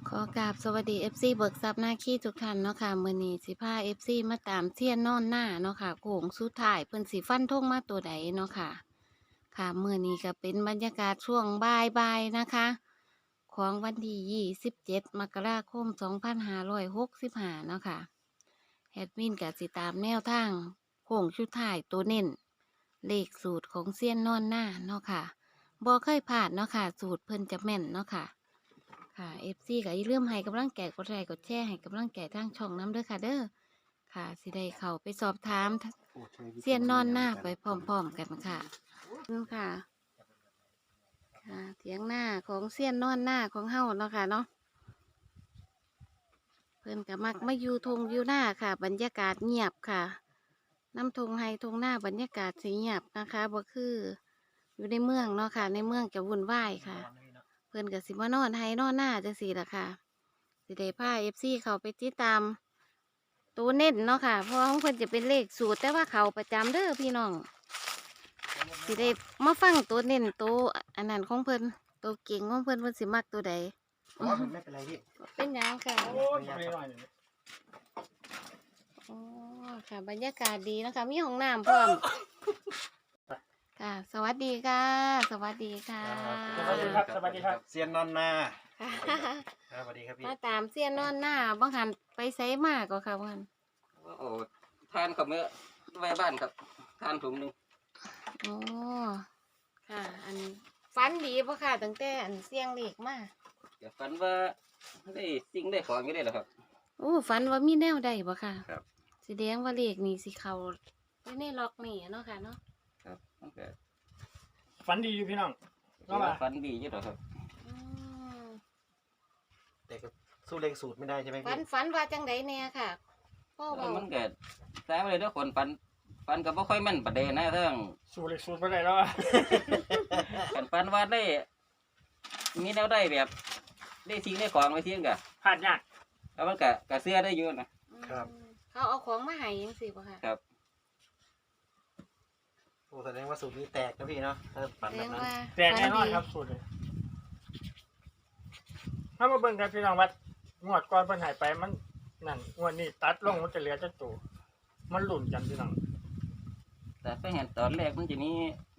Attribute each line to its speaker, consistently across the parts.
Speaker 1: ขอกราบสวัสดี FC เบิกทรัพย์หน้าขี้ทุกท่านเนาะค่ะมื้อนี้สิพา FC มาตามเซียนนอนหน้าเนาะค่ะโค้งสุดท้ายเพิ่นสิฟันธงมาตัวใดเนาะค่ะค่ะมื้อนี้ก็เป็นบรรยากาศช่วงบ่ายๆนะคะของวันที่27มกราคม2565เนาะค่ะแอดมินก็สิตามแนวทางโค้งสุดท้ายตัวเน้นเลขสูตรของเซียนนอนหน้าเนาะค่ะบ่เคยพลาดเนาะค่ะสูตรเพิ่นจะแม่นเนาะค่ะ ค่ะ FC ก็อย่าลืมให้กำลังใจกดไลค์กดแชร์ให้กำลังใจทางช่องน้ำเด้อค่ะเด้อค่ะสิได้เข้าไปสอบถามเซียนนอนหน้าไปพร้อมๆกันค่ะค่ะค่ะเถียงหน้าของเซียนนอนหน้าของเฮาเนาะค่ะเนาะเพิ่นก็มักมาอยู่ทงอยู่หน้าค่ะ บรรยากาศเงียบค่ะน้ำทงไฮทงหน้าบรรยากาศสีเงียบนะคะบ่คืออยู่ในเมืองเนาะค่ะในเมืองจะวุ่นวายค่ะ เพิ่นก็สิมานอนไฮนอนหน้าจังซี่ล่ะค่ะ สิได้พา FC เขาไปติดตามตัวเน้นเนาะค่ะเพราะของเพิ่นจะเป็นเลขสูตรแต่ว่าเขาประจำเด้อพี่น้องสิได้มาฟังตัวเน้นตัวอันนั้นของเพิ่นตัวเก่งของเพิ่นสิมักตัวใด
Speaker 2: อ๋อไม่เป็นไรพี่
Speaker 1: เป็นหยังค่ะ
Speaker 2: โอ้ยไม่หน่อยหนึ่ง
Speaker 1: อ๋อค่ะบรรยากาศดีนะคะมีห้องน้ำพร้อมค่ะ สวัสดีค่ะ สวัสดีค่ะ
Speaker 2: สวัสดีครับ สวัสดีครับเซียนนอนนา
Speaker 1: ค่ะ
Speaker 2: ครับสวัสดีครับพี่
Speaker 1: มาตามเสี้ยนนอนหน้าบางหันไปไสมากก็ค่ะบางหัน
Speaker 3: โอ้ทานกับเมื่อไว้บ้านครับทานถุงหนึ่ง
Speaker 1: โอ้ค่ะ อันฟันดีปะค่ะตั้งแต่อันเสียงเล็กมา
Speaker 3: อย่าฝันว่าได้สิ่งได้ของอยู่ได้หรอครับ
Speaker 1: โอ้ฟันว่ามีแนวใดปะค่ะ
Speaker 3: ครับ
Speaker 1: แสดงว่าเล็กนี่สิเขาไปในล็อกนี่เนาะค่ะเนาะ
Speaker 3: ครับมันก็
Speaker 4: ฝันดีอยู่พี่น้อง
Speaker 3: ถือว่าฝันดีอยู่หรอครับ
Speaker 1: อืม
Speaker 2: แต่ก็สู้เลขสูตรไม่ได้ใช่ไหม
Speaker 1: ฟั
Speaker 2: พี่
Speaker 1: นฟันว่าจังไดแน่ค่ะพ่อบอก
Speaker 3: มันก็แซ่บเลยทุกคนฝันก็บ่ค่อยแม่นประเด็นนะเรื่อง
Speaker 4: สูเล็กสูตรไปได้แล้วอะ
Speaker 3: กันฝันว่าได้ มีแนวได้แบบ ได้สิ่งได้ของไว้ทิ้งกะ
Speaker 4: ผ่านยาก
Speaker 3: แล้วมันก็เสื้อได้อยู่นะ
Speaker 1: อืมเขาเอาของมาให้ยังสิปะค่ะ
Speaker 3: ครับ
Speaker 2: โอ้แสดงว่าสูตรนี้แตกนะพี่เนาะถ้าฝัน
Speaker 1: แส
Speaker 2: แบ
Speaker 1: ด
Speaker 2: บ
Speaker 1: ง
Speaker 2: นั้น
Speaker 1: ว่า
Speaker 4: แต่แน่นอนครับสูตรเลยถ้ามาเบิ่งกันพี่น้องวัดงวดก่อนเพิ่นใหายไปมันนั่นงวดนี้ตัดลงมันจะเหลือจักตัวมันหลุ่นกันพี่น้อง
Speaker 3: แต่ไปเห็นตอนแรกมันจะนี้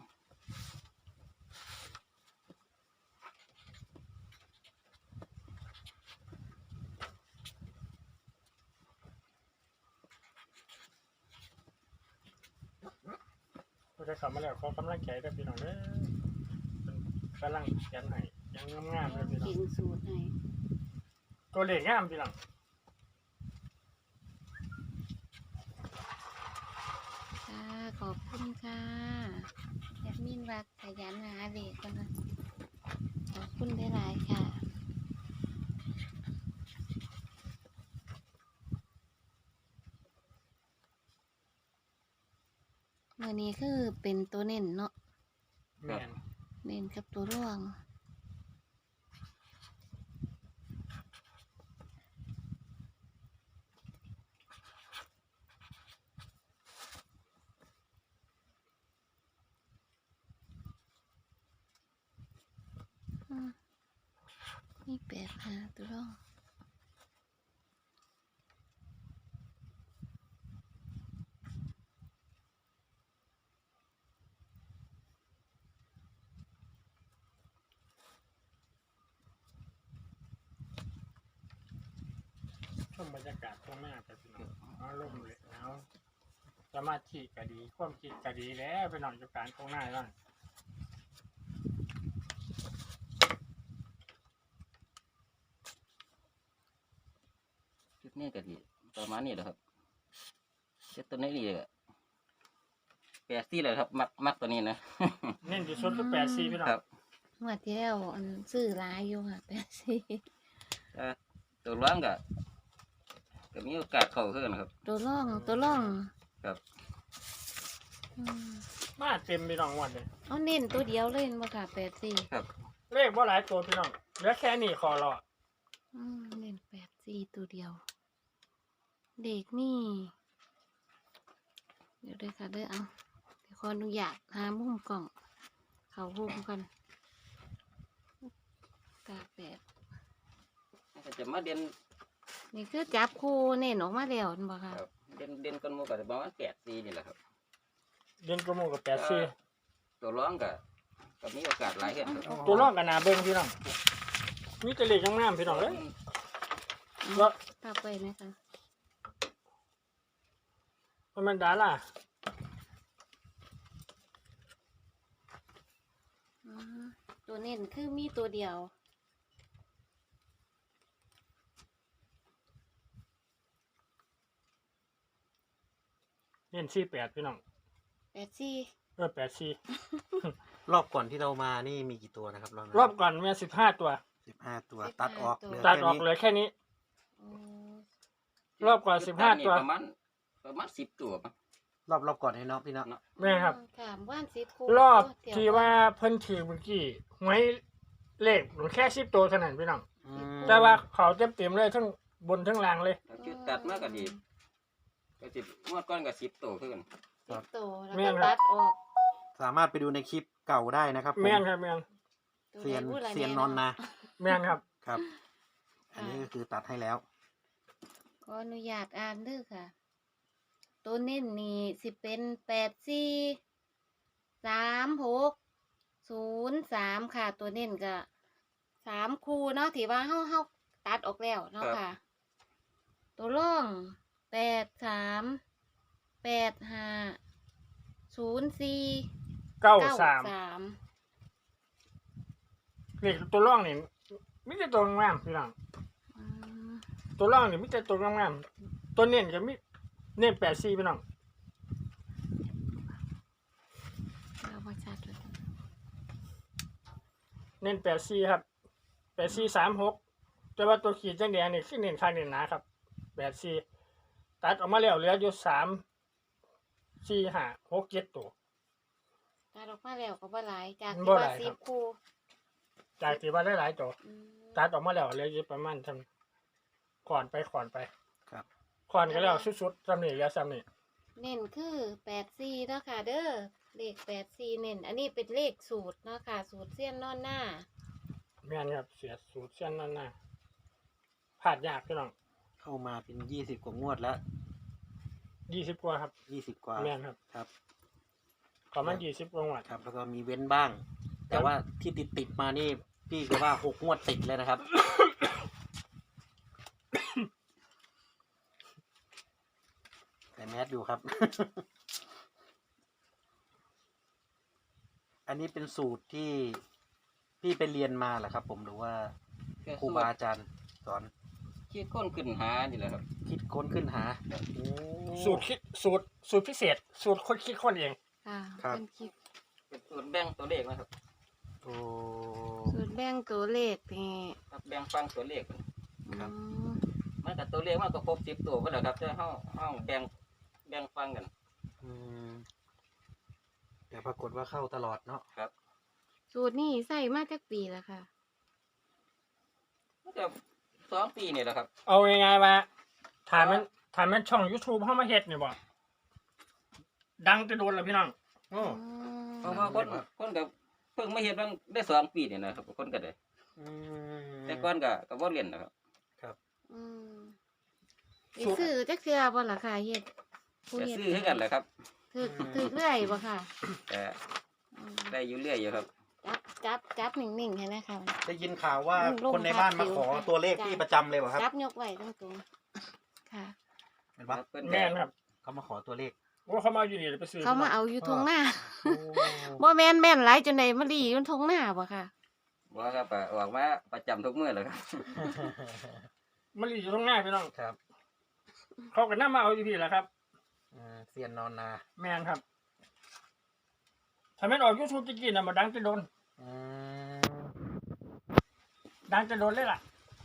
Speaker 4: เราจะขับมาแล้วขอกำลังใจด้วยพี่น้องเด้อเป็นกำลังเขียนให้ยังงามๆเลยพี่น้อ
Speaker 1: กิ
Speaker 4: ง
Speaker 1: นสูตรให้
Speaker 4: ตัวเลขงามพี่น้อง
Speaker 1: ค่ะขอบคุณค่ะแอดมินว่าขยันหาเด็กกันนะขอบคุณได้หลายๆค่ะเมื่อนี้คือเป็นตัวเน้นเนาะ
Speaker 4: แม่น
Speaker 1: เน้นกับตัวร่วงอืมมี8 5ตัวร่อง
Speaker 4: ชมบรรยากาศตรงหน้าไปพี่น้องเอาลมเลยเอาสมาธิก็ดีความคิดก็ดีแล้วพี่น้องอยู่การตรงหน้าบ้าง
Speaker 3: ชุดนี้ก็ดีประมาณนี้แหละครับเช็ดตัวนี้ดีเลย80เลยครับมักตัวนี้นะ
Speaker 4: เน้นที่สุดคือ84พี่น้อง
Speaker 3: ครับ
Speaker 1: งวดที่แล้วอันซื้อหลายอยู่ค่ะ84
Speaker 3: ตัวร้องก็มีโอกาสเข้าขึ้นครับ
Speaker 1: ตัวร่อง
Speaker 3: ครับ
Speaker 1: อืม
Speaker 4: มาเต็มพี่น้องวันเลย
Speaker 1: เอาเน้นตัวเดียวเลยบ่ค่ะ84
Speaker 3: ครับ
Speaker 4: เลขว่าหลายตัวพี่น้องเหลือแค่นี้คอรอ
Speaker 1: เน้น84ตัวเดียว เด็กนี่ เดี๋ยวด้วยค่ะเด้อเอาเดี๋ยวขออนุญาตหามุมกล่อง เขามุมกันตาแปด
Speaker 3: จะจะมาเด่น
Speaker 1: นี่คือจับคู่เน้นออกมาแล้วนั่นบ่ค่ะ
Speaker 3: ครับเด่นกันหมู่ก็ประมาณ8-4นี่แหละครับ
Speaker 4: เดือนกระโมกับ84
Speaker 3: ตัวร้องก็มีโอกาสหลายขึ้นครับ
Speaker 4: ตัวรองกันหนาเบิ่งพี่น้องมีแต่เลขงามๆพี่น้องเอ้ยว่า
Speaker 1: ทับไปนะคะ
Speaker 4: มันดาล่ะ
Speaker 1: อ๋อตัวเน้นคือมีตัวเดียว
Speaker 4: เน้น48พี่น้อง
Speaker 1: 84
Speaker 4: 84
Speaker 2: รอบก่อนที่เรามานี่มีกี่ตัวนะครับ
Speaker 4: รอบก่อนมี15 ตัว
Speaker 2: 15 ตัวตัดออกเหลือ
Speaker 4: ตัด
Speaker 2: แค่
Speaker 4: ออก
Speaker 2: นี้
Speaker 4: เหลือแค่นี้
Speaker 1: โอ้
Speaker 4: รอบก่อน15 ตัว
Speaker 3: ประมาณ10 ตัวมั้ง
Speaker 2: รอบก่อนให้เนาะพี่เนาะ
Speaker 4: แม่ครับ
Speaker 1: ค่ะว่านสิคู่
Speaker 4: รอบ
Speaker 1: เดี๋ย
Speaker 4: ที่ว่าเพิ่นถือเมื่อกี้หวยเลขมันแค่10 ตัวเท่านั้นพี่น้อง
Speaker 2: อืม
Speaker 4: แต่ว่าเขาเต็มๆเลยทั้งบนทั้งล่างเลย
Speaker 3: ชุดตัดมาก็ดีก็สิงวดก่อนก็10 ตัวคือกัน
Speaker 1: 10ตัวแล้ว
Speaker 4: แม่
Speaker 1: ก็
Speaker 4: นครับ
Speaker 1: ตัดออก
Speaker 2: สามารถไปดูในคลิปเก่าได้นะครับผม
Speaker 4: แม่นครับแม่น
Speaker 1: ตัว
Speaker 2: เซียน
Speaker 1: ใดพูดอะไร
Speaker 2: เซียน
Speaker 1: แ
Speaker 2: นอนนา
Speaker 4: แม่นครับ
Speaker 2: ครับ อันนี้ก็คือตัดให้แล้ว
Speaker 1: ขออนุญาตอ่านเด้อค่ะ ตัวเน้นนี่สิเป็น843603ค่ะ ตัวเน้นก็3คู่เนาะที่ว่าเฮาตัดออกแล้วเนาะค่ะ ตัวร่อง83850493
Speaker 4: เลขตัวร่องนี่มีแต่ตัวงามพี่น้อง
Speaker 1: อืม
Speaker 4: ตัวร่องนี่มีแต่ตัวงามๆตัวเน้นก็มีเน้น84พี่น้อง
Speaker 1: เอาบ่ชัดเลย
Speaker 4: เน้น84ครับ8436แต่ว่าตัวขีดแดงๆนี่คือเน้นข้างเน้นหนาครับ84ตัดออกมาแล้วเหลืออยู่3 4 5 6 7ตัว
Speaker 1: ตัดออกมาแล้วก็บ่หลายจาก
Speaker 4: บ่
Speaker 1: ที่
Speaker 4: ห
Speaker 1: ว่า
Speaker 4: ลายครับ
Speaker 1: 10คู่
Speaker 4: จากที่ว่าหลายๆตัว
Speaker 1: อืม
Speaker 4: ตัดออกมาแล้วเหลืออยู่ประมาณทำก่อนไป
Speaker 2: ครับ
Speaker 4: ก่อนก็แล้วสุดๆซ้ำนี่เหลือซ้ำนี่
Speaker 1: เน้นคือ84เนาะค่ะเด้อเลข84เน้นอันนี้เป็นเลขสูตรเนาะค่ะ สูตรเสี้ยนนอนหน้า
Speaker 4: แม่นครับเสียสูตรเส้นนั่นน่ะพลาดยากพี่น้อง
Speaker 2: เข้ามาเป็น20 กว่างวดแล้ว
Speaker 4: 20 กว่าครับ
Speaker 2: 20 กว่า
Speaker 4: แม่นครับ
Speaker 2: ครับ
Speaker 4: ขอมัน20 กว่าหวัด
Speaker 2: ครับ แล้วก็มีเว้นบ้าง แต่ว่าที่ติดมานี่พี่ก็ว่า6 งวดติดเลยนะครับ แต่แมสอยู่ครับ อันนี้เป็นสูตรที่พี่ไปเรียนมาเหรอครับ ผมหรือว่าครูบาอาจารย์สอน
Speaker 3: คิดค้นขึ้นหานี่แหละครับ
Speaker 2: คิดค้นขึ้นหาโอ้
Speaker 4: สูตรพิเศษ สูตรคนคิดคนเอง
Speaker 1: ค่ะ
Speaker 2: ครับ
Speaker 1: เป็นคลิป
Speaker 3: เป็นสูตรแบ่งตัวเลขนะครับ
Speaker 2: โอ้
Speaker 1: สูตรแบ่งตัวเลขนี่
Speaker 3: ครับแบ่งฟังตัวเลข
Speaker 2: ครับ
Speaker 1: อืม
Speaker 3: มันกับตัวเลขมันก็ครบ10 ตัวก็แล้วครับแต่เฮาแบ่งฟังกัน
Speaker 2: อืมแต่ปรากฏว่าเข้าตลอดเนาะ
Speaker 3: ครับ
Speaker 1: สูตรนี่ใส่มาจากปีแล้วค่ะ
Speaker 3: มันจะ2 ปีนี่แหละครับ
Speaker 4: เอาง่ายๆว่าถามมันช่อง YouTube เข้ามาเฮ็ดนี่บ่ดังจะโดนแล้วพี่น้อง
Speaker 2: โอ้
Speaker 3: เพราะว่าคนก็เพิ่งมาเฮ็ดบางได้2 ปีนี่นะครับคนก็ได้
Speaker 2: อืม
Speaker 3: แต่ก่อนก็บ่เรียนนะครับ
Speaker 1: อืมไปซื้อจักเทื่อบ่ล่ะค่ะเฮ็ดผู้
Speaker 3: ก็
Speaker 1: เฮ็ด
Speaker 3: ซื้อคือกันแหละครับ
Speaker 1: ถือเรื่อยบ่ค่ะ
Speaker 3: แต่
Speaker 1: อืม
Speaker 3: ได้อยู่เรื่อยอยู่ครับ
Speaker 1: จับนิ่งๆให้นะคะ
Speaker 2: ได้ยินข่าวว่า
Speaker 1: ลง
Speaker 2: คนในบ้าน
Speaker 1: พั
Speaker 2: มาก
Speaker 1: ผิว
Speaker 2: ขอตัวเลข
Speaker 1: จ้ะ
Speaker 2: พี่ประจำเลยเหรอครับ
Speaker 1: จับยกไว้ตรงๆค่ะ
Speaker 2: เห็นปะ
Speaker 3: เพิ่น
Speaker 4: แม่นครับ
Speaker 2: เขามาขอตัวเลข
Speaker 4: ว่าเขามาอยู่นี่ไปซื้อ
Speaker 1: เขามาเอาอยู่ทงหน้า
Speaker 2: โอ้
Speaker 1: บ่แม่นแม่นหลายจนได้มาดีอยู่ทงหน้าบ่ค่ะ
Speaker 3: บ่ครับก็ออกมาประจำทุกมื้อแหละครับ
Speaker 4: มันอยู่ตรงหน้าพี่น้อง
Speaker 2: ครับ
Speaker 4: เขาก็นำมาเอาอยู่พี่แหละครับ
Speaker 2: เซียนนอนนา
Speaker 4: แม่นครับถ้าแม่นออก YouTube จะกินน่ะมาดังจะโดน
Speaker 2: อืม
Speaker 4: ดังจะโดนเลยล่ะ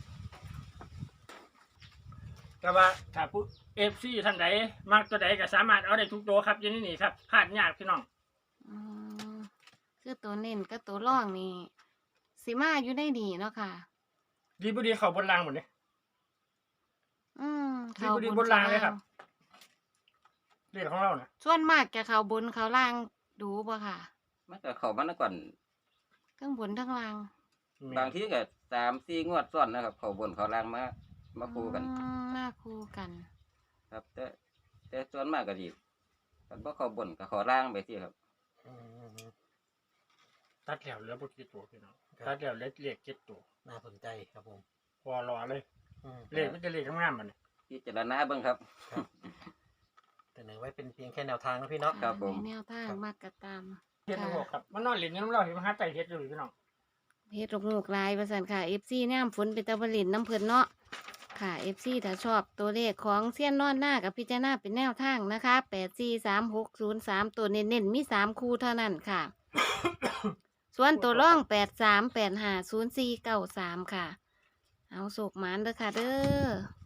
Speaker 4: แต่ว่าถ้าผู้ FC ท่านใดมักตัวใดก็สามารถเอาได้ทุกตัวครับอยู่ในนี่ครับพลาดยากพี่น้อง
Speaker 1: อืมคือตัวเน้นกับตัวร่องนี่สิมาอยู่ได้ดีเนาะค่ะ
Speaker 4: ดีบ่ดีเขาบนรางหมดเลย
Speaker 1: อืม
Speaker 4: ดีบ่ดีบนรางเลยครับ เรื่องของเราน่ะ
Speaker 1: ส่วนมากจะเขาบนเขาล่างดูบ่ค่ะ
Speaker 3: มันก็เข้ามาก่อน
Speaker 1: ทั้งบนทั้งล่าง
Speaker 3: บางทีก็ 3-4 งวดซ้อนนะครับ เขาบนเขาล่างมาคู่กัน
Speaker 1: มาคู่กัน
Speaker 3: ครับ แต่ส่วนมากก็ดีกันบ่เขาบนกับเขาล่างไปที่ครับ
Speaker 2: อืม
Speaker 4: ตัดแล้วเหลือบ่กี่ตัวพี่น้อง
Speaker 2: ครับ
Speaker 4: ตัดแล้วเหลือเลข7ตัว
Speaker 2: น่าสนใจครับผม
Speaker 4: พอรอเลย
Speaker 2: อืม
Speaker 4: เลขมันจะเลขงามๆมัน
Speaker 3: พิจารณาเบิ่งครับ
Speaker 2: แต่เสนอไว้เป็นเพียงแค่แนวทางนะพี่เนาะ
Speaker 3: ครับผม
Speaker 1: ในแนวทางมากกะตาม
Speaker 4: เฮ็ดบ่ครับมันนอนเล่นอยู่น้ำเราเห็นมันหาใจเฮ็ดอยู่พี่น้อง
Speaker 1: เฮ็ดลูกๆลายประสันค่ะ FC ย่ามฝนเป็นตะบลินน้ำเพิ่นเนาะค่ะ FC ถ้าชอบตัวเลขของเสี้ยนนอนหน้ากับพิจารณาเป็นแนวทางนะคะ843603ตัวเน้นๆมี3คู่เท่านั้นค่ะ ส่วนตัวร่อง83850493ค่ะ เอาสุกหมานเด้อค่ะเด้อ